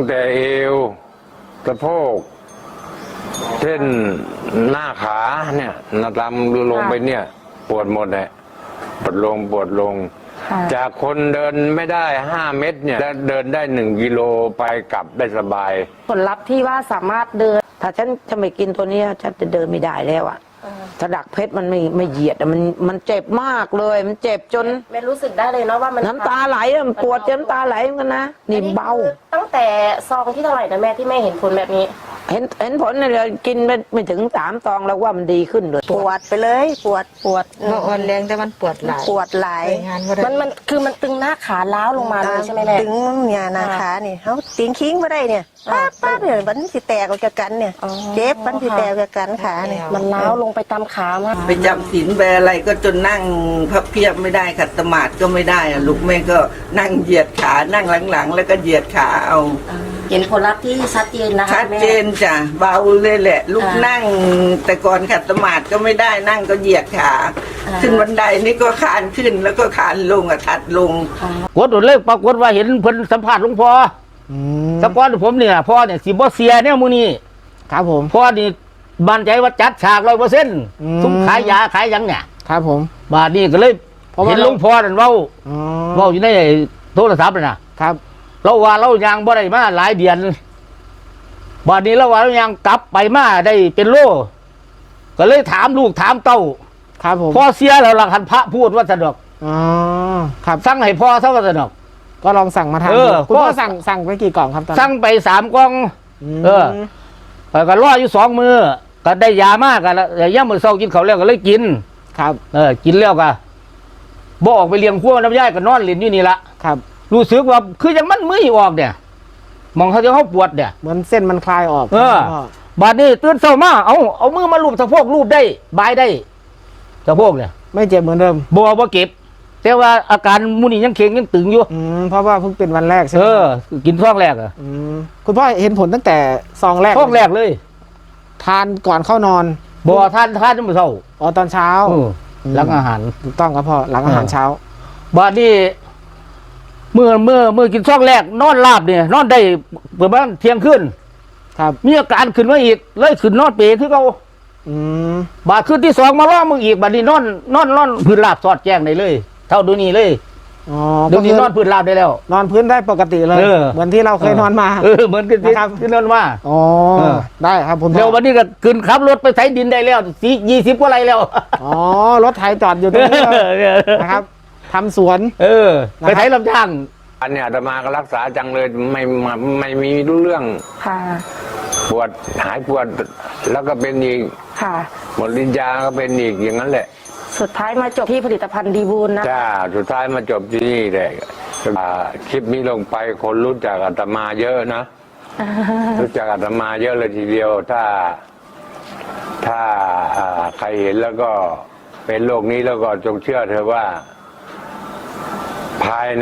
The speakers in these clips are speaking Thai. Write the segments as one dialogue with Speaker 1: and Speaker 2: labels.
Speaker 1: แต่เอวสะโพกเส้นหน้าขาเนี่ยนาตามลงไปเนี่ยปวดหมดเลยปวดลงจากคนเดินไม่ได้5 เมตรเนี่ยเดินได้1 กิโลไปกลับได้สบาย
Speaker 2: ผลลัพธ์ที่ว่าสามารถเดิน
Speaker 3: ถ้าฉันจะไม่กินตัวนี้ฉันจะเดินไม่ได้แล้วอ่ะถ้าดักเพชรมันไม่เหยียดมันเจ็บมากเลยมันเจ็บจน
Speaker 2: ไม่รู้สึกได้เลยเนาะว่ามัน
Speaker 3: น้ำตาไหลมันปวดจนน้ำตาไหลเหมือนกันนะนี่เบา
Speaker 2: ตั้งแต่ซองที่เท่าไหร่นะแม่ที่แม่เห็นผลแบบนี้
Speaker 3: เห็นผลเลยกินไม่ถึง3 ซองแล้วว่ามันดีขึ้นเลย
Speaker 4: ปวดไปเลยปวด
Speaker 5: อ่อนแรงแต่มันปวดหลาย
Speaker 2: มันคือมันตึงหน้าขาล้าวลงมาเลยใช่ไหมแม่
Speaker 4: ตึงเนี่ยหน้าขาเนี่ยเขาติงคิ้งไม่ได้เนี่ยป้าเนี่ยมันสิแตกออกจากกันเนี่ยเจ็บมันสิแตกออกจากกันขาเนี่ย
Speaker 2: มันล้าวลงไปตามขามาก
Speaker 6: ไปจำศีลไปอะไรก็จนนั่งพับเพียบไม่ได้ขัดสมาธิก็ไม่ได้อะลูกแม่ก็นั่งเหยียดขานั่งหลังๆแล้วก็เหยียดขาเอา
Speaker 2: เห็นผลลัพธ์ที่ชัดเจนนะคะ
Speaker 6: ชัดเจนจ้ะเบาเลยแหละลูกนั่งแต่ก่อนขัดสมาธิก็ไม่ได้นั่งก็เหยียดขาขึ้นบันไดนี่ก็คานขึ้นแล้วก็คานลงถัดลง
Speaker 7: กดโดนเลยปรากฏว่าเห็นเพิ่นสัมภาษณ์หลวงพ่อสัมภาษณ์ผมเนี่ยพ่อเนี่ยสิบ่เสียเนี่ยมื้อนี้
Speaker 5: ครับผม
Speaker 7: พ่อนี่มั่นใจว่าจัดฉาก 100%ทุกขายยาขายยังเนี่ย
Speaker 5: ครับผม
Speaker 7: บาดนี้ก็เลยเห็นหลวงพ่อนั่นเว้าอยู่ในโทรศัพท์น่ะ
Speaker 5: ครับ
Speaker 7: เราว่าเรายังบ่ได้มาหลายเดือนบาดนี้เราว่าเรายังกลับไปมาได้เป็นโลก็เลยถามลูกถามเต้า
Speaker 5: ครับผม
Speaker 7: พ่อเสียแล้วหลักหันพระพูดว่าสะดอก
Speaker 5: ครับ
Speaker 7: สั่งให้พ่อซะว่าสะดอก
Speaker 5: ก็ลองสั่งมาทานคุณพ่อสั่งไปกี่กล่องครับตอน
Speaker 7: สั่งไป3 กล่องก็รออยู่2 มื้อก็ได้ยามากกันแล้วย่ำมื้อเช้ากินข้าวแล้วก็เลยกิน
Speaker 5: ครับ
Speaker 7: กินแล้วก็บ่ออกไปเลี้ยงขั้วน้ำย่ายก็นอนเล่นอยู่นี่ละ
Speaker 5: ครับ
Speaker 7: รู้สึกว่าคือยังมันมือออกเนี่ยมองเขาจะเขาปวดเนี่ย
Speaker 5: เหมือนเส้นมันคลายออก
Speaker 7: บาดนี้ตื่นเช้ามาเอามือมาลูบสะโพกลูบได้บายได้สะโพกเนี่ย
Speaker 5: ไม่เจ็บเหมือนเดิม
Speaker 7: บ่เก็บแต่ว่าอาการมูนี่ยังเข่งยังตึงอยู่
Speaker 5: เพราะว่าเพิ่งเป็นวันแรกใช่ไหม
Speaker 7: กินซองแรก
Speaker 5: คุณพ่อเห็นผลตั้งแต่ซองแรก
Speaker 7: เลย
Speaker 5: ทานก่อนเข้านอน
Speaker 7: บ่ทานจนมื้อเช้า
Speaker 5: ตอนเช้า
Speaker 7: หลังอาหาร
Speaker 5: ถูกต้องครับพ่อหลังอาหารเช้า
Speaker 7: บาดนี้เมื่อกินซองแรกนอนราบเนี่ยนอนได้ประมาณเที่ยงคืน
Speaker 5: ครับ
Speaker 7: มีอาการขึ้นมาอีกเลยขึ้นนอนเปรคือเขาบาดขึ้นที่2มาล้อมึงอีกบาดนี้นอนพื้นราบสอดแจ้งได้เลยเท่าดูนี่เลยเดี๋ยวนี้นอนพื้นราบได้แล้ว
Speaker 5: นอนพื้นได้ปกติเลยเหมือนที่เราเคยนอนมา
Speaker 7: เหมือนกันที่นอนมา
Speaker 5: ได้ครับผม
Speaker 7: เดี๋ยววันนี้ก็ขึ้นขับรถไปไถดินได้แล้ว20 กว่าไร่แล้ว
Speaker 5: รถไถจอดอยู่ตรงนี้นะครับทำสวน
Speaker 7: ไปไถลำช่าง
Speaker 1: อันเนี้ยอาตมาก็รักษาจังเลยไม่มีรู้เรื่องปวดหายปวดแล้วก็เป็นอีกหมดลิ้นยาก็เป็นอีกอย่างนั้นแหละ
Speaker 2: สุดท้ายมาจบที่ผลิตภัณฑ์ดีบูลนะ
Speaker 1: จ้าสุดท้ายมาจบที่นี่แหละคลิปนี้ลงไปคนรู้จักอาตมาเยอะนะรู้จักอาตมาเยอะเลยทีเดียวถ้าใครเห็นแล้วก็เป็นโรคนี้แล้วก็จงเชื่อเธอว่าภายใน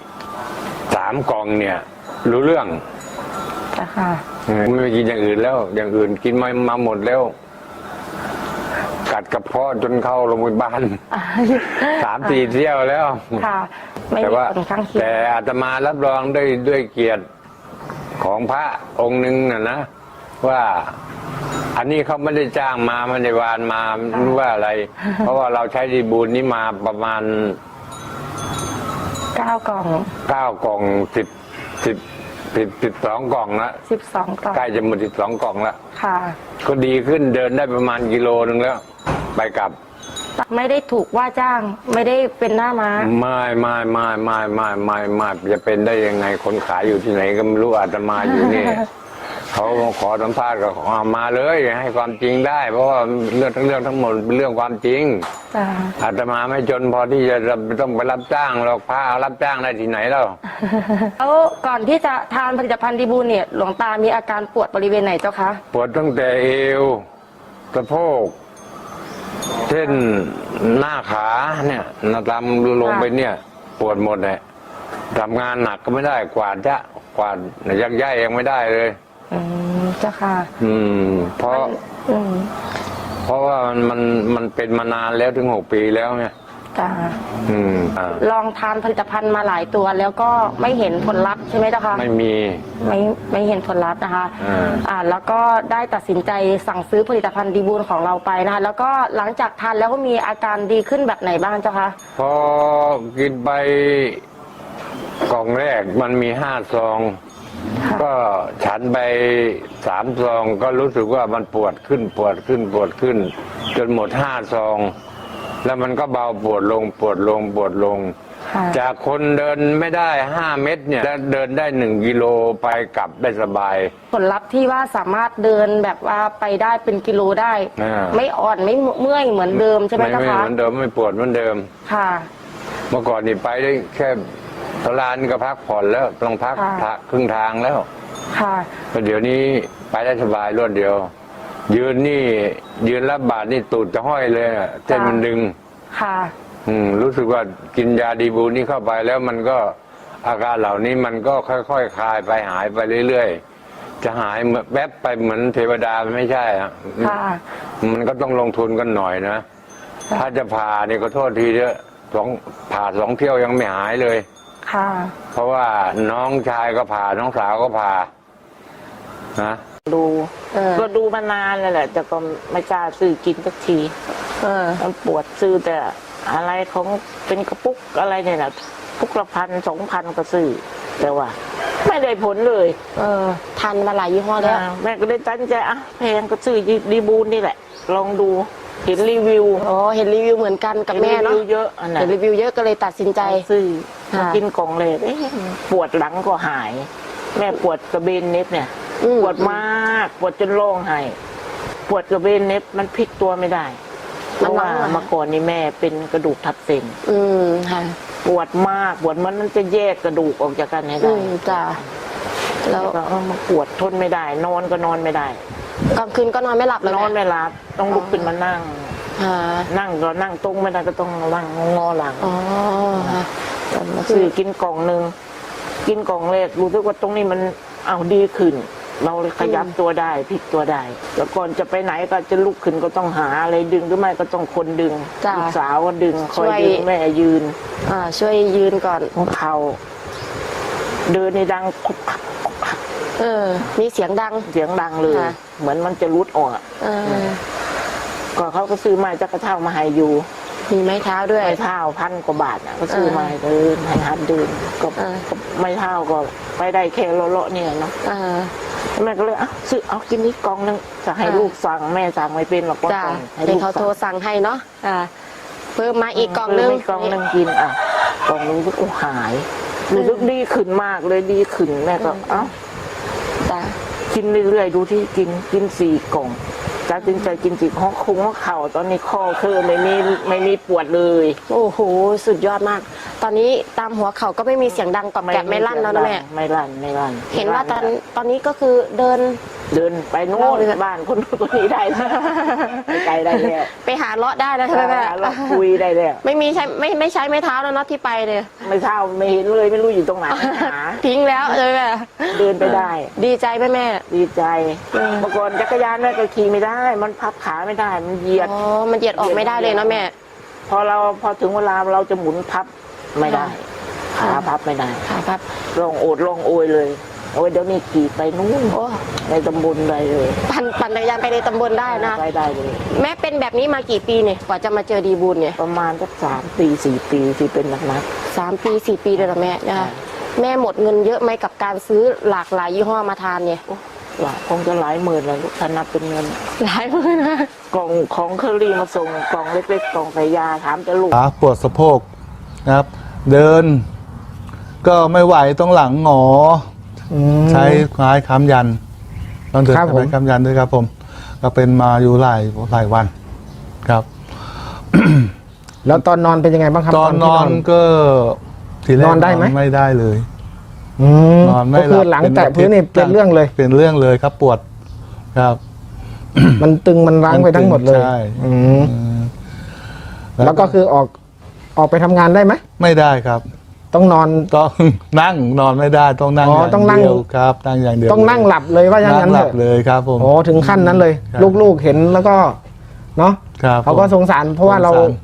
Speaker 1: 3 กล่องเนี่ยรู้เรื่องไม่กินอย่างอื่นแล้วอย่างอื่นกินมาหมดแล้วกัดกระเพาะจนเข้าโรงพยาบาล3-4 เที่ยวแล้วแต่ว่าแต่อาตมารับรองด้วยเกียรติของพระองค์หนึ่งนะว่าอันนี้เขาไม่ได้จ้างมาไม่ได้วานมารู้ว่าอะไรเพราะว่าเราใช้ดีบูลนี้มาประมาณ
Speaker 2: 9 กล่อง
Speaker 1: 12 กล่องละ
Speaker 2: 12 กล่อง
Speaker 1: ใกล้จะหมด12 กล่องละ
Speaker 2: ค่ะ
Speaker 1: ก็ดีขึ้นเดินได้ประมาณ1 กิโลแล้วไปกลับ
Speaker 2: ไม่ได้ถูกว่าจ้างไม่ได้เป็นหน้าม้า
Speaker 1: ไม่จะเป็นได้ยังไงคนขายอยู่ที่ไหนก็ไม่รู้อาตมาอยู่นี่ เขาขอสัมภาษณ์ก็มาเลยให้ความจริงได้เพราะว่าเรื่องทั้งหมดเป็นเรื่องความจริงอาตมาไม่จนพอที่จะต้องไปรับจ้างหรอกพระรับจ้างได้ที่ไหนแล้ว
Speaker 2: ก่อนที่จะทานผลิตภัณฑ์ดีบูลเนี่ยหลวงตามีอาการปวดบริเวณไหนเจ้าคะ
Speaker 1: ปวดตั้งแต่เอวสะโพกเส้นหน้าขาเนี่ยนาตามลงไปเนี่ยปวดหมดเลยทำงานหนักก็ไม่ได้กวาดยักย้ายยังไม่ได้เลย
Speaker 2: เจ้าค่ะ
Speaker 1: เพราะว่ามันเป็นมานานแล้วถึง6 ปีแล้วเนี่ย
Speaker 2: จ้า
Speaker 1: อ่า
Speaker 2: ลองทานผลิตภัณฑ์มาหลายตัวแล้วก็ไม่เห็นผลลัพธ์ใช่ไหมเจ้าคะ
Speaker 1: ไม่มี
Speaker 2: ไม่เห็นผลลัพธ์นะคะ
Speaker 1: อ่า
Speaker 2: แล้วก็ได้ตัดสินใจสั่งซื้อผลิตภัณฑ์ดีบูลของเราไปนะคะแล้วก็หลังจากทานแล้วก็มีอาการดีขึ้นแบบไหนบ้างเจ้าคะ
Speaker 1: พอกินไปกล่องแรกมันมี5 ซอง ก็ฉันไป3 ซองก็รู้สึกว่ามันปวดขึ้น จนหมด5 ซอง แล้วมันก็เบาปวดลง
Speaker 2: ค่ะ
Speaker 1: จากคนเดินไม่ได้5 เม็ดเนี่ยแล้วเดินได้1 กิโลไปกลับได้สบาย
Speaker 2: ผลลัพธ์ที่ว่าสามารถเดินแบบว่าไปได้เป็นกิโลได้ ไม่อ่อนไม่เมื่อยเหมือนเดิมใช่ไหม
Speaker 1: ไม่
Speaker 2: เจ้า
Speaker 1: เห
Speaker 2: คะ
Speaker 1: มือนเดิมไม่ปวดเหมือนเดิม
Speaker 2: ค่ะ
Speaker 1: เมื่อก่อนนี่ไปได้แค่ตลาดก็พักผ่อนแล้วต้องพัก
Speaker 2: ค่ะ
Speaker 1: ครึ่งทางแล้ว
Speaker 2: ค่ะ
Speaker 1: แต่เดี๋ยวนี้ไปได้สบายรวดเดียว ยืนรับบาทนี่ตูดจะห้อยเลยอะเส้นมันดึง
Speaker 2: ค่ะ
Speaker 1: รู้สึกว่ากินยาดีบูนี่เข้าไปแล้วมันก็อาการเหล่านี้มันก็ค่อยๆคลายไปหายไปเรื่อยๆจะหายแวบไปเหมือนเทวดามันไม่ใช่อะ
Speaker 2: ค่ะ
Speaker 1: มันก็ต้องลงทุนกันหน่อยนะ ถ้าจะผ่านี่ก็โทษทีเถอะผ่า2 เที่ยวยังไม่หายเลย
Speaker 2: ค่ะ
Speaker 1: เพราะว่าน้องชายก็ผ่าน้องสาวก็ผ่านะ
Speaker 3: ดู
Speaker 2: ก็
Speaker 3: ดูมานานแล้วแหละแต่ก็ไม่กล้าซื้อกินสักทีมันปวดซื้อแต่อะไรของเป็นกระปุกอะไรเนี่ยนะปุกละ1,000 2,000ก็ซื้อแต่ว่า ไม่ได้ผลเลย
Speaker 2: ทานมาหลายยี่ห้อแล้ว
Speaker 3: แม่ก็เลยตั้งใจแพงก็ซื้อดีบูนนี่แหละ ลองดูเห็นรีวิว
Speaker 2: อ๋อ เห็นรีวิวเหมือนกันกับแม่เนาะ
Speaker 3: ห็รีวิวเยอะอันนั้
Speaker 2: เห็
Speaker 3: น
Speaker 2: นรีวิวเยอะก็เลยตัดสินใจ
Speaker 3: ซื้อ
Speaker 2: ค่ะ
Speaker 3: มากินกล่องเลยปวดหลังก็หาย แม่ปวดกระเบนเน็บเนี่ย ปวดมากปวดจนร้องไห้ปวดกระเบนเน็บมันพลิกตัวไม่ได้เพราะว่าเมื่อก่อนนี่แม่เป็นกระดูกทับเส้น
Speaker 2: ค่ะ
Speaker 3: ปวดมากปวดมันจะแยกกระดูกออกจากกันให้ได้
Speaker 2: จ้ะแล้ว
Speaker 3: ก็มาปวดทนไม่ได้ นอนก็นอนไม่ได้
Speaker 2: กลางคืนก็นอนไม่หลับเลย
Speaker 3: นอนไม่หลับต้องลุกขึ้นมานั่ง
Speaker 2: ค่ะ
Speaker 3: นั่งก็นั่งตรงไม่ได้ก็ต้องนั่งงอหลัง
Speaker 2: อ๋อค่ะ
Speaker 3: มาซื้อกินกล่องหนึ่งกินกล่องแรกรู้สึกว่าตรงนี้มันเอาดีขึ้น เราเลยขยับตัวได้พลิกตัวได้แล้วก่อนจะไปไหนก็จะลุกขึ้นก็ต้องหาอะไรดึงหรือไม่ก็ต้องคนดึง
Speaker 2: จ้ะ
Speaker 3: ลูกสาวก็ดึงคอยดึงแม่ยืน
Speaker 2: ช่วยยืนก่อน
Speaker 3: ของเขาเดินในดังคุกคักคุกคัก
Speaker 2: มีเสียงดัง
Speaker 3: เสียงดังเลย
Speaker 2: ค่ะ
Speaker 3: เหมือนมันจะรุดออกอะก็เขาก็ซื้อไม้จักระเท่ามาให้อยู่
Speaker 2: มีไม้เท้าด้วย
Speaker 3: ไม้เท้า1,000 กว่าบาทนะก็ซื้อมาให้เดินให้หัดเดินก็ไม้เท้าก็ไปได้แค่เลาะๆเนี่ยเนาะแม่ก็เลยซื้อเอากินนี้กล่องนึงจะให้ลูกสั่งแม่สั่งไม่เป็นหรอกว่า
Speaker 2: จ้ะ
Speaker 3: กล่องให้
Speaker 2: เป็น
Speaker 3: ลูก
Speaker 2: เขาโทร
Speaker 3: สั่ง
Speaker 2: สั่งให้เนาะเพิ่มมาอีกกล่องนึง
Speaker 3: ซื้กล่องนึงกินกล่องนึงก็หายรู้สึกดีขึ้นมากเลยดีขึ้นแม่ก็
Speaker 2: จ้ะ
Speaker 3: กินเรื่อยๆดูที่กิน4 กล่องตัดสินใจกิน4ข้อคุ้งข้อเข่าตอนนี้ข้อคือไม่มีปวดเลย
Speaker 2: โอ้โหสุดยอดมาก ตอนนี้ตามหัวเข่าก็ไม่มีเสียงดังกรอบแกรบไม่ลั่นแล้วนะแม่
Speaker 3: ไม่ลั่น
Speaker 2: เห็นว่าตอนนี้ก็คือเดิน
Speaker 3: ไปโน่นบ้านคนนี้ได้ไปไกลได้แล้ว
Speaker 2: ไปหาเลาะได้แล้วใช่ไหมแม่
Speaker 3: เราคุยได้แล้ว
Speaker 2: ไม่มีใช้ไม่ใช้ไม้เท้าแล้วเนาะที่ไปเลย
Speaker 3: ไม่เท่าไม่เห็นเลยไม่รู้อยู่ตรงไหนหา
Speaker 2: ทิ้งแล้วใช่ไหมแม่
Speaker 3: เดินไปได้
Speaker 2: ดีใจไหมแม่
Speaker 3: ดีใจเมื่อก่อนจักรยานแม่ก็ขี่ไม่ได้ มันพับขาไม่ได้มันเหยียด
Speaker 2: อ๋อมันเหยียดออกไม่ได้เลยเนาะแม่
Speaker 3: พอถึงเวลาเราจะหมุนพับไม่ได้ขาพับไม่ได้
Speaker 2: ค่ะครับ
Speaker 3: ลองโอดลองโอยเลยโอ้ยเดี๋ยวนี้ขี่ไปนู่น
Speaker 2: โอ้
Speaker 3: ในตำบลได้เลย
Speaker 2: ปั่นจักรยานไปในตำบลได้นะ
Speaker 3: ไปได้เลย
Speaker 2: แม่เป็นแบบนี้มากี่ปีเนี่ยกว่าจะมาเจอดีบุญเนี่ย
Speaker 3: ประมาณสัก3 ปี 4 ปีที่เป็นหนัก
Speaker 2: 3 ปี 4 ปีเลยเหรอแม่นะคะแม่หมดเงินเยอะไหมกับการซื้อหลากหลายยี่ห้อมาทานเนี่ย
Speaker 3: ๆว่าคงจะหลายหมื่นเลยลูกถ้านับเป็นเงิน
Speaker 2: หลายหมื่นนะ
Speaker 3: กล่องของเคอรี่มาส่งกล่องเล็กๆกล่องใส่ยาถามจะลูก
Speaker 8: ขาปวดสะโพกนะครับ เดิน ก็ไม่ไหวต้องหลังหงอใช้ไม้ค้ำยันต้องเดิน
Speaker 5: ครับ
Speaker 8: ใช้
Speaker 5: ผม
Speaker 8: ไม้ค้ำยันด้วยครับผม ก็เป็นมาอยู่หลายวันครับ
Speaker 5: แล้วตอนนอนเป็นยังไงบ้างครับ
Speaker 8: ตอนน
Speaker 5: ที่
Speaker 8: อนก็ทีแรก
Speaker 5: นอนได้ไหม
Speaker 8: ไม่ได้เลย นอนไม่
Speaker 5: ก็คือหลังแตะพื้นนี่เป็นเรื่องเลย
Speaker 8: เป็นเรื่องเลยครับปวดครับ
Speaker 5: มันตึงมันรั้งไปทั้งหมดเลย
Speaker 8: ใช่
Speaker 5: อืมแล้วก็คือออกไปทำงานได้ไหม
Speaker 8: ไม่ได้ครับ
Speaker 5: ต้องนอน
Speaker 8: ต้องนั่งนอนไม่ได้ต้องนั่ง
Speaker 5: อ๋อ
Speaker 8: อย่าง
Speaker 5: ต้องนั่ง
Speaker 8: เดียวครับนั่งอย่างเดียว
Speaker 5: ต้องนั่งหลับเลยว่าอย่าง
Speaker 8: นั่
Speaker 5: นั้
Speaker 8: ง
Speaker 5: น
Speaker 8: ห
Speaker 5: เถ
Speaker 8: ลับ
Speaker 5: อะ
Speaker 8: เลยครับผม
Speaker 5: โอ้ถึงขั้นนั้นเลย
Speaker 8: ครับ
Speaker 5: ลูกๆเห็นแล้วก็เนาะ
Speaker 8: ครับ
Speaker 5: เขาก็สงสารเพราะว่าเรา
Speaker 8: สงสาร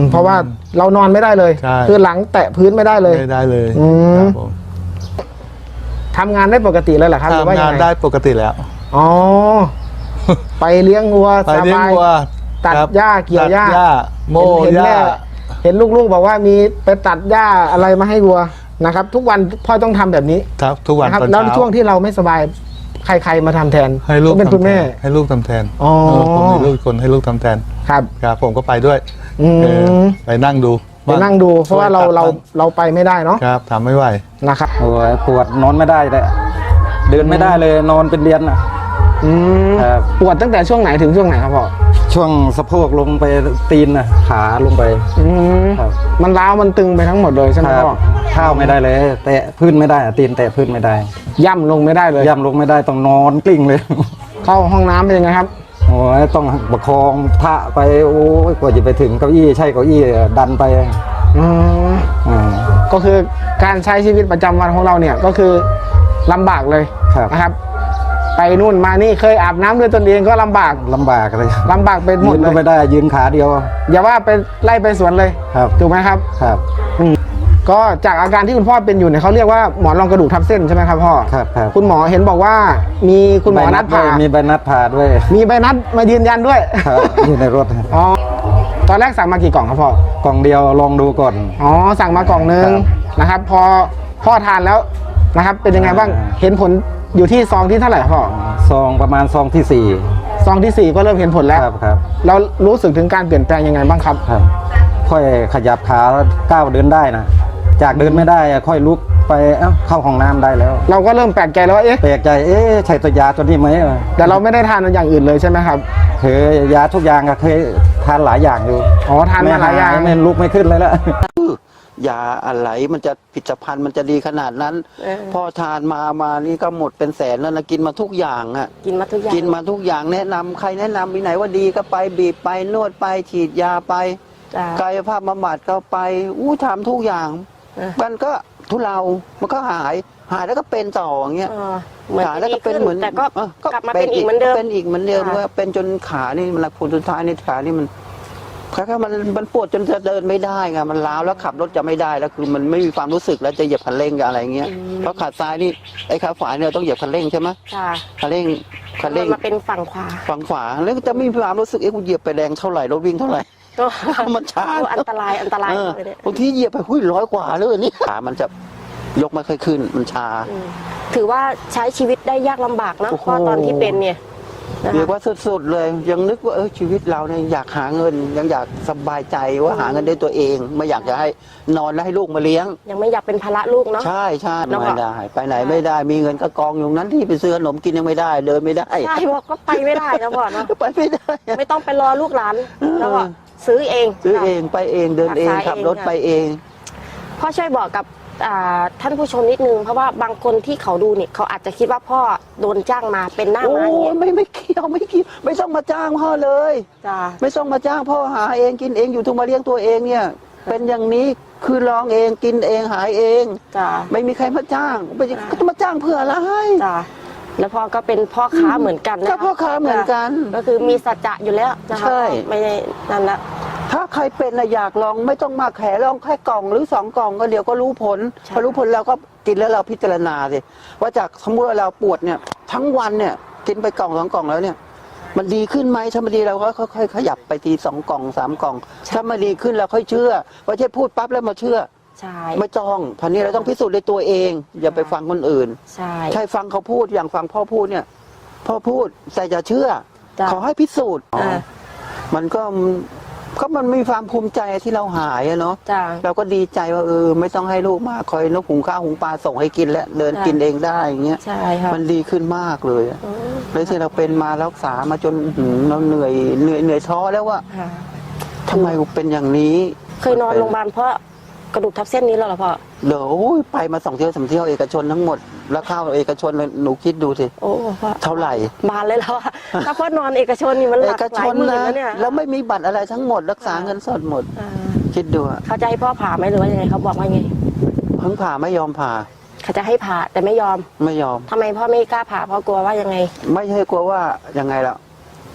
Speaker 5: เพราะว่าเรานอนไม่ได้เลย
Speaker 8: ใช่
Speaker 5: คือหลังแตะพื้นไม่ได้เลย
Speaker 8: ไม่ได้เลย
Speaker 5: อืม
Speaker 8: ครับผม
Speaker 5: ทำงานได้ปกติเลยเหรอครับหรือว่า
Speaker 8: ทำ
Speaker 5: ยัง
Speaker 8: งาน
Speaker 5: ไง
Speaker 8: ได้ปกติแล้ว
Speaker 5: อ๋อ ไปเลี้ยงวัว
Speaker 8: ไป
Speaker 5: ส
Speaker 8: เลี้ยง
Speaker 5: บาย
Speaker 8: วัว
Speaker 5: ตัด
Speaker 8: ครับ
Speaker 5: หญ้าเกี่ยวหญ้า
Speaker 8: ตัดหญ้าโม่
Speaker 5: เห็น
Speaker 8: หญ้า
Speaker 5: แม่เห็นลูกๆบอกว่ามีไปตัดหญ้าอะไรมาให้วัวนะครับ ทุกวันพ่อต้องทำแบบนี้
Speaker 8: ครับทุกวัน
Speaker 5: นะครับ
Speaker 8: ตอน
Speaker 5: แล้ว
Speaker 8: เช้า
Speaker 5: ช่วงที่เราไม่สบายใครๆมาทำแทน
Speaker 8: ให้ลูก
Speaker 5: เป็นคุณแม่
Speaker 8: ให้ลูกทำแทน
Speaker 5: อ๋อ
Speaker 8: ผมมีลูกอีกคนให้ลูกทำแทน
Speaker 5: ครับ
Speaker 8: ครับผมก็ไปด้วย
Speaker 5: อืม
Speaker 8: เออไปนั่งดู
Speaker 5: ไปนั่งดู เพราะว่าเราไปไม่ได้เนาะ
Speaker 8: ครับทำไม่ไหว
Speaker 5: นะครับ
Speaker 7: โอ้ยปวดนอนไม่ได้เลยเดินไม่ได้เลยนอนเป็นเดือนอ่ะ
Speaker 5: อืม
Speaker 7: ครับ
Speaker 5: ปวดตั้งแต่ช่วงไหนถึงช่วงไหนครับพ่อ
Speaker 7: ช่วงสะโพกลงไปตีนน่ะขาลงไป
Speaker 5: อืม
Speaker 7: ครับ
Speaker 5: มันร้าวมันตึงไปทั้งหมดเลยใช่ไหม
Speaker 7: ครับ
Speaker 5: พ่อ
Speaker 7: ข้าวไม่ได้เลย แตะพื้นไม่ได้อะตีนแตะพื้นไม่ได้
Speaker 5: ย่ำลงไม่ได้เลย
Speaker 7: ย่ำลงไม่ได้ต้องนอนกลิ้งเลย
Speaker 5: เข้าห้องน้ำเป็นยังไงครับ
Speaker 7: โอ้ยต้องประคองพระไปโอ้ยกว่าจะไปถึงเก้าอี้ใช่เก้าอี้ดันไป
Speaker 5: อืม
Speaker 7: อ่า
Speaker 5: ก็คือการใช้ชีวิตประจำวันของเราเนี่ยก็คือลำบากเลย
Speaker 7: ครับ
Speaker 5: นะครับ ไปนู่นมานี่เคยอาบน้ำด้วยตนเองก็ลำบาก
Speaker 7: ลำบากเลย
Speaker 5: ลำบากเป็นหม
Speaker 7: ยื
Speaker 5: ด
Speaker 7: น
Speaker 5: เล
Speaker 7: ก็
Speaker 5: ย
Speaker 7: ไม่ได้ยืนขาเดียว
Speaker 5: อย่าว่าไปไล่ไปสวนเลย
Speaker 7: ครับ
Speaker 5: ถูกไหมครับ
Speaker 7: ครับ
Speaker 5: ก็จากอาการที่คุณพ่อเป็นอยู่เนี่ยเขาเรียกว่าหมอนรองกระดูกทับเส้นใช่ไหมครับพ่อ
Speaker 7: ครับครับ
Speaker 5: คุณหมอเห็นบอกว่ามีคุณหมอนัดผ่า
Speaker 7: มีใบนัดผ่าด้วย
Speaker 5: มีใบนัดมายืนยันด้วย
Speaker 7: ครับอยู่ในรถ
Speaker 5: อ๋อตอนแรกสั่งมากี่กล่องครับพ่อก
Speaker 7: ล่องเดียวลองดูก่อน
Speaker 5: อ๋อสั่งมากล่องนึง
Speaker 7: ครับ
Speaker 5: นะครับ พอพ่อทานแล้วนะครับ เป็นยังไงบ้าง
Speaker 7: อ่า
Speaker 5: เห็นผลอยู่ที่ซองที่เท่าไหร่ครับพ่อ
Speaker 7: ซองประมาณซองที่สี่
Speaker 5: ซองที่ 4 ก็เริ่มเห็นผลแล้ว
Speaker 7: ครับครับ
Speaker 5: เรารู้สึกถึงการเปลี่ยนแปลงยังไงบ้างครับ
Speaker 7: ครับ ค่อยขยับขาแล้วก้าวเดินได้นะจากเดินไม่ได้อะค่อยลุกไปเข้าห้องน้ำได้แล้ว
Speaker 5: เราก็เริ่มแปลกใจแล้วว่าเอ๊ะ
Speaker 7: แปลกใจใช่ตัวยาตัวนี้ไหม
Speaker 5: แต่เราไม่ได้ทานอย่างอื่นเลยใช่ไหมครับ
Speaker 7: เคยยาทุกอย่างอะเคยทานหลายอย่างอยู่
Speaker 5: อ๋อทานมาหลายอย่าง
Speaker 7: ไม่ลุกไม่ขึ้นเลยละ
Speaker 9: ยาอะไรมันจะผลิตภัณฑ์มันจะดีขนาดนั้น พอทานมานี่ก็หมดเป็นแสนแล้วนะกินมาทุกอย่างอ่ะ
Speaker 2: กินมาทุกอย่าง
Speaker 9: กินมาทุกอย่างแนะนำใครแนะนำมีไหนว่าดีก็ไปบีบไปนวดไปฉีดยาไป
Speaker 2: จ้ะ
Speaker 9: กายภาพบำบัดก็ไปทำทุกอย่าง
Speaker 2: เออ
Speaker 9: มันก็ทุเลามันก็หายแล้วก็เป็นต่ออย่างเงี้ย
Speaker 2: เหมือน
Speaker 9: หาย
Speaker 2: จะ
Speaker 9: แล้ว
Speaker 2: ดี
Speaker 9: ก็เป็น
Speaker 2: ขึ้น
Speaker 9: เหมือน
Speaker 2: แต่ก็ กลับมาเป็นอีกเหมือนเดิม
Speaker 9: เป็นอีกเหมือนเดิม
Speaker 2: ค่ะ
Speaker 9: ว่าเป็นจนขานี่มันผลสุดท้ายในขานี่มันคล้ายๆมันปวดจนจะเดินไม่ได้ไงมันล้าวแล้วขับรถจะไม่ได้แล้วคือมันไม่มีความรู้สึกแล้วจะเหยียบคันเร่งกับอะไรเงี้ยเพราะขาซ้ายนี่ไอ้ขาขวาเนี่ยต้องเหยียบคันเร่งใช่ไหม
Speaker 2: จ้ะ
Speaker 9: คันเร่ง
Speaker 2: มันมาเป็นฝั่งขวา
Speaker 9: ฝั่งขวาแล้วก็จะไม่มีความรู้สึกกูเหยียบไปแรงเท่าไหร่รถวิ่งเท่าไหร่ มันช้า
Speaker 2: โอ้อันตรายอันตราย
Speaker 9: เออ
Speaker 2: เลยเนี่ย
Speaker 9: บางทีเหยียบไป100 กว่าเลยนี่ขามันจะยกไม่ค่อยขึ้นมันชา
Speaker 2: ถือว่าใช้ชีวิตได้ยากลำบากนะ
Speaker 9: โอ้โห
Speaker 2: เพราะตอนที่เป็นเนี่ยนะ
Speaker 9: เรียก
Speaker 2: คะ
Speaker 9: ว่าสุดๆเลยยังนึกว่าชีวิตเราเนี่ยอยากหาเงินยังอยากสบายใจว่าหาเงินได้ตัวเอง ไม่อยากจะให้นอนแล้วให้ลูกมาเลี้ยง
Speaker 2: ยังไม่อยากเป็นภาระลูกเนาะ
Speaker 9: ใช่ใช่
Speaker 2: แล้วก็
Speaker 9: ไม่ได้ไปไหนไม่ได้มีเงินก็กองอยู่นั้นที่ไปซื้อขนมกินยังไม่ได้เดินไม่ได้
Speaker 2: ใช่บอกก็ไปไม่ได้นะพ่อเนาะ
Speaker 9: ไปไม่ได้
Speaker 2: ไม่ต้องไปรอลูกหลานแล้วก็ซื้อเอง
Speaker 9: ซื้อเองไปเองเดินเอง
Speaker 2: รักษา
Speaker 9: ขับ
Speaker 2: เอง
Speaker 9: รถไปเอง
Speaker 2: พ่อช่วยบอกกับท่านผู้ชมนิดนึงเพราะว่าบางคนที่เขาดูเนี่ยเขาอาจจะคิดว่าพ่อโดนจ้างมาเป็นหน้า
Speaker 9: โอ้
Speaker 2: ม้าอย่างเงี้ย
Speaker 9: ไม่เกี่ยวไม่ต้องมาจ้างพ่อเลย
Speaker 2: จ้า
Speaker 9: ไม่ต้องมาจ้างพ่อหาเองกินเองอยู่ทุกมาเลี้ยงตัวเองเนี่ย เป็นอย่างนี้คือลองเองกินเองหายเอง
Speaker 2: จ้า
Speaker 9: ไม่มีใครมาจ้างก็จะมาจ้างเพื่ออะไร
Speaker 2: จ้าแล้วพ่อก็เป็นพ่อค้าเหมือนกันนะ
Speaker 9: ก็
Speaker 2: คะ
Speaker 9: พ่อค้าเหมือนกัน
Speaker 2: ก็คือมีสัจจะอยู่แล้วนะคะ
Speaker 9: ใช่
Speaker 2: ไม่ได้นั่นละ
Speaker 9: ถ้าใครเป็นนะอยากลองไม่ต้องมาแขลองแค่กล่องหรือ2 กล่องก็เดี๋ยวก็รู้ผล
Speaker 2: ใช่
Speaker 9: พอรู้ผลเราก็กินแล้วเราพิจารณาสิว่าจากสมมติว่าเราปวดเนี่ยทั้งวันเนี่ยกินไปกล่อง2 กล่องแล้วเนี่ย มันดีขึ้นไหมถ้ามันดีเราก็ค่อยๆขยับไปที2 กล่อง3 กล่องถ้ามันดีขึ้นเราค่อยเชื่อไม่ใช่พูดปั๊บแล้วมาเชื่อ
Speaker 2: ใช่
Speaker 9: ไม่ต้องพันนี้เราต้องพิสูจน์ด้วยตัวเอง อย่าไปฟังคนอื่น
Speaker 2: ใช่
Speaker 9: ใช่ฟังเขาพูดอย่างฟังพ่อพูดเนี่ยพ่อพูดแต่อย่าเชื่อ
Speaker 2: จ้ะ
Speaker 9: ขอให้พิสูจน์
Speaker 2: อ่า
Speaker 9: มันก็มันมีความภูมิใจที่เราหายอะเนาะ
Speaker 2: จ้า
Speaker 9: เราก็ดีใจว่าไม่ต้องให้ลูกมาคอยนกหุงข้าวหุงปลาส่งให้กินแล้วเดิน
Speaker 2: จ้ะ
Speaker 9: กินเองได้อย่างเงี้ย
Speaker 2: ใช่ค่ะ
Speaker 9: มันดีขึ้นมากเลยอะเลยที่เราเป็นมารักษามาจนเราเหนื่อยท้อแล้วว่า
Speaker 2: ค่ะ
Speaker 9: ทำไมกูเป็นอย่างนี้
Speaker 2: เคยนอนโรงพยาบาลเพราะกระดูกทับเส้นนี้แล้วเหรอพ่อ
Speaker 9: เดี๋ยวไปมา2 เที่ยว3 เที่ยวเอกชนทั้งหมดแล้วเข้าเอกชนเลยหนูคิดดูสิ
Speaker 2: โอ้พ่อ
Speaker 9: เท่าไหร่
Speaker 2: บานเลยแล้วอะถ้าพ่อนอนเอกชนนี่มันห
Speaker 9: เอ
Speaker 2: ลัก
Speaker 9: ก
Speaker 2: ห
Speaker 9: ช
Speaker 2: ลาย
Speaker 9: น
Speaker 2: หมื่น
Speaker 9: นะ
Speaker 2: แล้วเนี่ย
Speaker 9: แล้วไม่มีบัตรอะไรทั้งหมด รักษาเงินสดหมด
Speaker 2: อ่า
Speaker 9: คิดดูอะ
Speaker 2: เขาจะให้พ่อผ่าไหมหรือว่ายังไงเขาบอกว่าไง
Speaker 9: เพิ่งผ่าไม่ยอมผ่า
Speaker 2: เขาจะให้ผ่าแต่ไม่ยอม
Speaker 9: ไม่ยอม
Speaker 2: ทำไมพ่อไม่กล้าผ่าเพราะกลัวว่ายังไง
Speaker 9: ไม่ใช่กลัวว่ายังไงล่ะ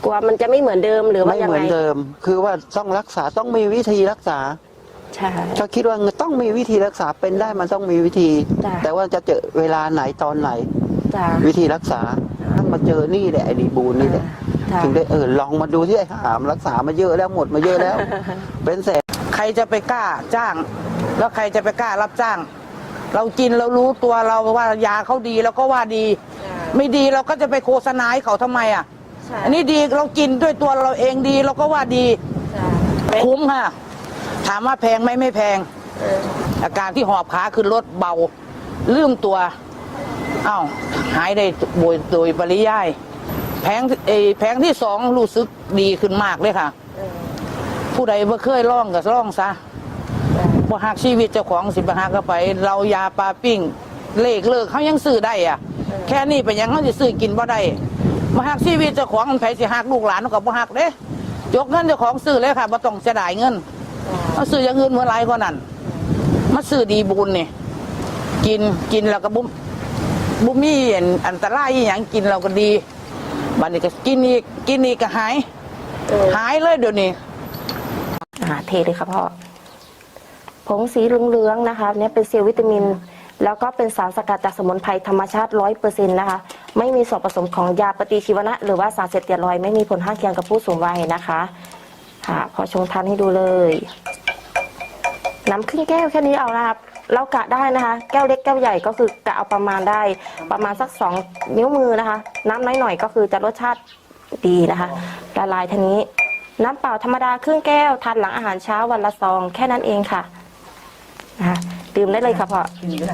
Speaker 2: กลัวมันจะไม่เหมือนเดิมหรือว่า
Speaker 9: ไม่
Speaker 2: ยัง
Speaker 9: เหมื
Speaker 2: ไง
Speaker 9: อนเดิม คือว่าต้องรักษาต้องมีวิธีรักษา
Speaker 2: ใช่
Speaker 9: ก็คิดว่าต้องมีวิธีรักษาเป็นได้มันต้องมีวิธี
Speaker 2: จ้ะ
Speaker 9: แต่ว่าจะเจอเวลาไหนตอนไหน
Speaker 2: จ้ะ
Speaker 9: วิธีรักษาต้องมาเจอนี่แหละไอ้ดีบูนนี่แหละ
Speaker 2: จ้ะ
Speaker 9: ถึงได้ลองมาดูที่ไอ้หามรักษามาเยอะแล้วหมดมาเยอะแล้ว เป็นแสน
Speaker 10: ใครจะไปกล้าจ้าง แล้วใครจะไปกล้ารับจ้าง เรากินเรารู้ตัวเราว่ายาเขาดีเราก็ว่าดี ไม่ดีเราก็จะไปโฆษณาให้เขาทำไมอ่ะอันนี้ดีเรากินด้วยตัวเราเองดีเราก็ว่าดีคุ้มค่ะถามว่าแพงไหมไม่แพงอาการที่หอบขาขึ้นรถเบาลืมตัวอ้าวหายได้โดยปริยายแพงที่สองรู้สึกดีขึ้นมากเลยค่ะ ผู้ใดบ่เคยล่องก็ล่องซะบ่หักชีวิตเจ้าของสิบ่หักก็ไป เรายาปลาปิ้งเลขเลิกเขายังซื้อได้อ่ะ แค่นี้เป็นหยังเขาจะซื้อกินบ่ได้บ่หักชีวิตเจ้าของมันไผสิหักลูกหลานเขาก็บ่หักเด้ยกเงินเจ้าของซื้อเลยค่ะบ่ต้องเสียดายเงินเอาซื้ออย่างอื่นเมื่อไรก็นั่นมาซื้อดีบุญนี่กินแล้วก็บุมีอันตรายอหย่างกินเราก็ดีบัดนี้ก็กินอีกก็หายเลยเดี๋ยวนี้
Speaker 2: เทเลยค่ะพ่อผงสีเหลืองๆนะคะเนี่ยเป็นเซลล์วิตามิน แล้วก็เป็นสารสกัดจากสมุนไพรธรรมชาติ 100% นะคะไม่มีส่วนผสมของยาปฏิชีวนะหรือว่าสารเสพติดไม่มีผลข้างเคียงกับผู้สูงวัยนะคะค่ะพอชงทานให้ดูเลยน้ำครึ่งแก้วแค่นี้เอาละครับเรากะได้นะคะแก้วเล็กแก้วใหญ่ก็คือกะเอาประมาณได้ประมาณสัก2 นิ้วมือนะคะน้ำน้อยหน่อยก็คือจะรสชาติดีนะคะละลายทีนี้น้ำเปล่าธรรมดาครึ่งแก้วทานหลังอาหารเช้าวันละซองแค่นั้นเองค่ะนะคะดื่มได้เลยค่ะพ่อ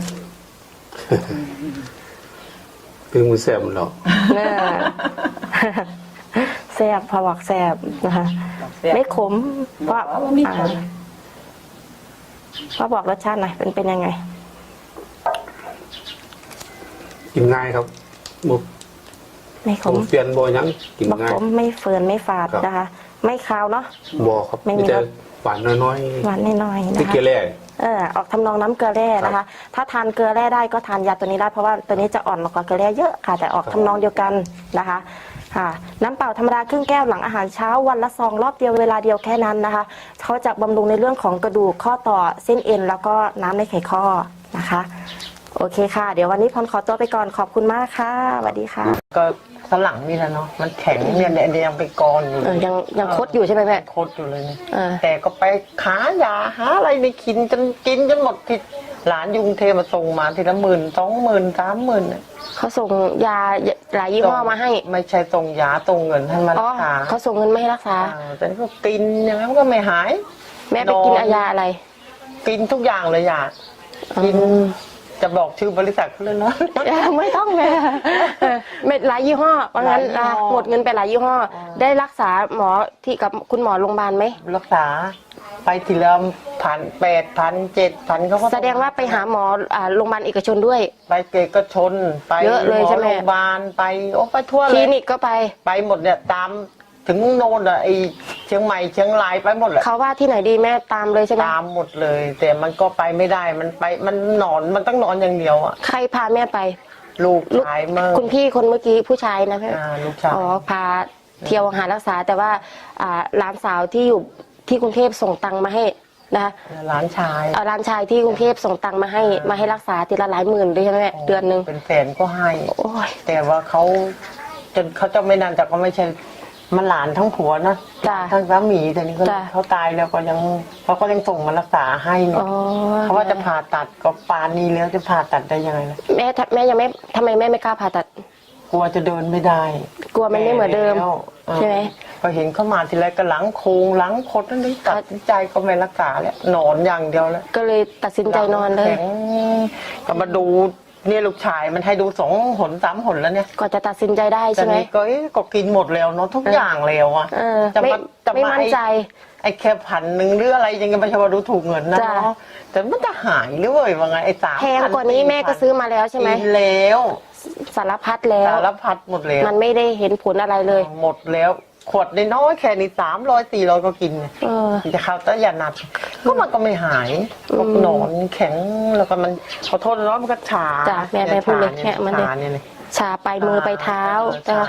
Speaker 1: คือมือแสบหรอก
Speaker 2: แซ่บพอบอกแซ่บนะคะไม่ขมเพราะพ่อบอกรสชาติหน่อยเป็นยังไง
Speaker 1: กินง่ายครับบุก
Speaker 2: ไม่ขม
Speaker 1: เปลี่ยนบ่ยังกิน
Speaker 2: บัก
Speaker 1: ง่าย
Speaker 2: ขมไม่เฟื่อนไม่ฝาด
Speaker 1: ครับ
Speaker 2: นะคะ ไม่คาวเนาะ
Speaker 1: บ่ครับ
Speaker 2: ไม่มี
Speaker 1: มีแต่
Speaker 2: รส
Speaker 1: หวานน้อย
Speaker 2: หวานน้อยๆ
Speaker 1: ๆ
Speaker 2: นะ
Speaker 1: ที่
Speaker 2: คะ
Speaker 1: เกลือ
Speaker 2: ออกทำนองน้ำเกลือแร่นะคะ ถ้าทานเกลือแร่ได้ก็ทานยาตัวนี้ได้เพราะว่าตัวนี้จะอ่อนกว่าเกลือแร่เยอะค่ะ แต่ออกทำนองเดียวกันนะคะค่ะน้ำเปล่าธรรมดาครึ่งแก้วหลังอาหารเช้าวันละซองรอบเดียวเวลาเดียวแค่นั้นนะคะเขาจะบำรุงในเรื่องของกระดูกข้อต่อเส้นเอ็นแล้วก็น้ำในไขข้อนะคะโอเคค่ะ เดี๋ยววันนี้พรขอตัวไปก่อนขอบคุณมากค่ะสวัสดีค่ะ
Speaker 3: ก็สลังนี่แหละเนาะมันแข็งเนี่ยยังเป็นกรอยู่
Speaker 2: ยังคดอยู่ใช่ไหมแม่
Speaker 3: โคตรอยู่เลยเนี่ย
Speaker 2: เออ
Speaker 3: แต่ก็ไปหายาหาอะไรในกินจนหมดที่หลานยุงเทมาส่งมาทีละ10,000 20,000 30,000เนี่ย
Speaker 2: เขาส่งยาหลายยี่ห้อมาให้
Speaker 3: ไม่ใช่ส่งยาส่งเงินให้มา
Speaker 2: อ๋อ
Speaker 3: รักษา
Speaker 2: เขาส่งเงินมาให้รักษา
Speaker 3: แต่ก็กินอย่างนั้นก็ไม่หาย
Speaker 2: แม่ไปกินยาอะไร
Speaker 3: กินทุกอย่างเลยยากินจะบอกชื่อบริษัทเขาเลยเนาะ
Speaker 2: ไม่ต้องแม่เม็ดหลายยี่ห้อเพราะงั้น
Speaker 3: หลายยี่ห้อ
Speaker 2: หมดเงินไปหลายยี่ห้อ ได้รักษาหมอที่กับคุณหมอโรงพยาบาลไหม
Speaker 3: รักษาไปทีละ8,000 7,000เขาก็
Speaker 2: แสดงว่าไปหาหมอโรงพยาบาลเอกชนด้วย
Speaker 3: ไปเกกชนไป
Speaker 2: เยอะเลยใช่ไหม
Speaker 3: โรงพยาบาลไปไปทั่ว
Speaker 2: ค
Speaker 3: เล
Speaker 2: ลิ
Speaker 3: ย
Speaker 2: นิกก็ไป
Speaker 3: ไปหมดเนี่ยตามถึงโน่นอะไอเชียงใหม่เชียงรายไปหมดแหละ
Speaker 2: เขาว่าที่ไหนดีแม่ตามเลยใช่ไหม
Speaker 3: ตามหมดเลย แต่มันก็ไปไม่ได้มันนอนมันต้องนอนอย่างเดียวอะ
Speaker 2: ใครพาแม่ไป
Speaker 3: ลูกชายเมื่อ
Speaker 2: คุณพี่คนเมื่อกี้ผู้ชายนะแม่
Speaker 3: ลูกชาย
Speaker 2: อ๋อพาเที่ยวหารักษาแต่ว่าหลานสาวที่อยู่ที่กรุงเทพส่งตังค์มาให้นะคะ
Speaker 3: หลานชาย
Speaker 2: หลานชายที่กรุงเทพส่งตังค์มาให้รักษาทีละหลายหมื่นด้วยใช่ไหมแม่เดือนหนึ่ง
Speaker 3: เป็นแสนก็ให้
Speaker 2: โอ้ย
Speaker 3: แต่ว่าเขาจนเขาจะไม่นานแต่ก็ไม่ใช่มันหลานทั้งผัวนะ
Speaker 2: จ้ะ
Speaker 3: ทั้งสามีแต่นี่ก็
Speaker 2: จ้ะ
Speaker 3: เขาตายแล้วก็ยังเขาก็ยังส่งมารักษาให้เนี่ย
Speaker 2: อ๋อ
Speaker 3: เขาว่าจะผ่าตัดก็ปานนี้แล้วจะผ่าตัดได้ยังไงล่ะ
Speaker 2: แม่ยังไม่ทำไมแม่ไม่กล้าผ่าตัด
Speaker 3: กลัวจะเดินไม่ได้
Speaker 2: กลัวมันไม่เหมือนเดิม
Speaker 3: แล้ว
Speaker 2: ใช่ไหม
Speaker 3: พอเห็นเขามาทีไรก็หลังโคงหลังคดนั่นนี่ตัดสินใจก็ไม่รักษาแล้วนอนอย่างเดียวแล้ว
Speaker 2: ก็เลยตัดสินใจนอนเลย
Speaker 3: แข็งก็มาดูเนี่ยลูกชายมันให้ดู2 หน 3 หนแล้วเนี่ย
Speaker 2: ก็จะตัดสินใจได้
Speaker 3: ตอ
Speaker 2: ใช่
Speaker 3: น
Speaker 2: ไหม
Speaker 3: นี้ก็กินหมดแล้วเนาะทุกอย่างแล้วอ่ะ
Speaker 2: เออ
Speaker 3: จะ
Speaker 2: ไม่
Speaker 3: มาจะ
Speaker 2: ไม่
Speaker 3: มา
Speaker 2: มั่นใจ
Speaker 3: ไอ้แค่1,000หรืออะไรยังไงไม่ใช่ว่าดูถูกเงินนะ
Speaker 2: จ้ะ
Speaker 3: เนาะแต่มันจะหายหรือเว้ยว่าไงไอ้3,000
Speaker 2: แพงกว่านี้แม่ก็ซื้อมาแล้วใช่ไหม
Speaker 3: กินแล้ว
Speaker 2: สารพัดแล้ว
Speaker 3: สารพัดหมดแล้ว
Speaker 2: มันไม่ได้เห็นผลอะไรเลย
Speaker 3: หมดแล้วขวดน้อยๆแค่นี้300-400ก็กิน
Speaker 2: เออ
Speaker 3: จะเข้าแต่อย่าหนักก็มันก็ไม่หายก็นอนแข็งแล้วก็มันขอโทษนะมันก็ชา
Speaker 2: จ้ะแม่พูดเลยแค่มันเลย
Speaker 3: ชาเนี่ย
Speaker 2: ชาไปมือไปเท้า
Speaker 3: ชา
Speaker 2: นะคะ
Speaker 3: เนี่ย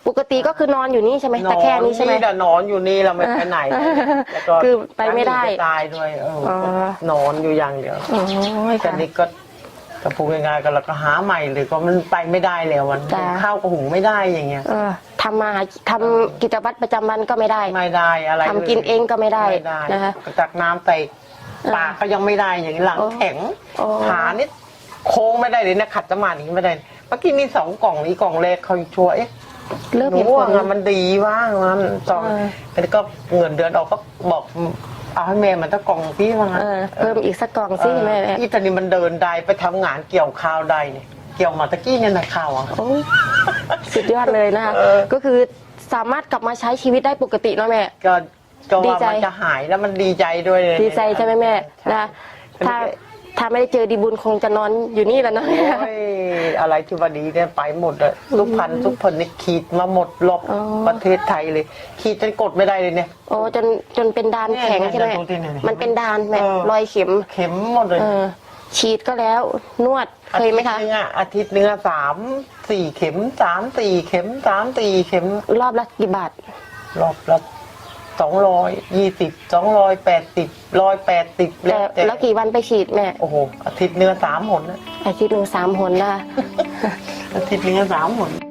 Speaker 2: ปกติก็คือนอนอยู่นี่ใช่ไหมแต่แค่นี้ใช่ไหม
Speaker 3: นอนอยู่นี่เราไม่ไปไหนแล้วก็
Speaker 2: คือไปไม่ได้
Speaker 3: ตายด้วยนอนอยู่อย่างเดียว
Speaker 2: โอ้ย
Speaker 3: แต่
Speaker 2: ค่ะ
Speaker 3: นี่ก็พูดง่ายๆก็เราก็หาใหม่เลยก็มันไปไม่ได้แล้วมัน
Speaker 2: จ้ะ
Speaker 3: ข้าวก็หุงไม่ได้อย่างเงี้ย
Speaker 2: ทำกิจวัตรประจำวันก็ไม่ได้
Speaker 3: ไม่ได้อะไร
Speaker 2: ทำกินเองก็ไม่ได้
Speaker 3: ไม่ได้
Speaker 2: นะคะ
Speaker 3: ก็ตักน้ำใส่ปากก็ยังไม่ได้อย่างนี้หลัง
Speaker 2: โอ้
Speaker 3: แข็ง
Speaker 2: โอ้
Speaker 3: ขานี่โค้งไม่ได้เลยนะขัดสมาธิไม่ได้เมื่อกี้มี2 กล่องนี้กล่องแรกเขาชัวร์
Speaker 2: เริ่ม
Speaker 3: หนู
Speaker 2: เห็นผ
Speaker 3: ว่า
Speaker 2: ล
Speaker 3: มันดีว่างมันสองแล้วก็เงินเดือนออกก็บอกเอาให้แม่มันตะกล่องพี่ว่างั้น
Speaker 2: เพิ่มอีกสักกล่องสิแม่
Speaker 3: อีตอนนี้มันเดินได้ไปทำงานเกี่ยวข้าวได้เนี่ยเกี่ยวมาตะกี้เนี่ยนะข้าวอ่ะ
Speaker 2: โอ้ยสุดยอดเลยนะคะ ก็คือสามารถกลับมาใช้ชีวิตได้ปกติเนาะแม่
Speaker 3: ก็
Speaker 2: ดี
Speaker 3: ว่า
Speaker 2: ใจ
Speaker 3: มันจะหายแล้วมันดีใจด้วยเลย
Speaker 2: ดีใจใช่ไหมแม่นะถ้าไม่ได้เจอดีบุญคงจะนอนอยู่นี่แล้วเนาะ
Speaker 3: โอ้ยอะไรที่ว่าดีเนี่ยไปหมดเลยทุกพันนี่ขีดมาหมดรอบ
Speaker 2: อ๋อ
Speaker 3: ประเทศไทยเลยขีดจนกดไม่ได้เลยเนี่ย
Speaker 2: โอ้จนเป็นดานแข็งใช่ไหม
Speaker 3: เนี่ยดูดิเนี่ย
Speaker 2: มันเป็นดานแม่
Speaker 3: เออ
Speaker 2: รอยเข็ม
Speaker 3: เข็มหมดเลย
Speaker 2: ฉีดก็แล้วนวดเคยไหมคะ
Speaker 3: อาทิตย์นึงอะ3-4 เข็ม3-4 เข็ม3-4 เข็ม
Speaker 2: รอบละกี่บาท
Speaker 3: รอบละ220 280 180
Speaker 2: แล้วกี่วันไปฉีดแม่
Speaker 3: โอ้โหอาทิตย์นึง3 หนนะ
Speaker 2: อาทิตย์หนึ่ง3 หนนะคะ
Speaker 3: อาทิตย์นึง3 หน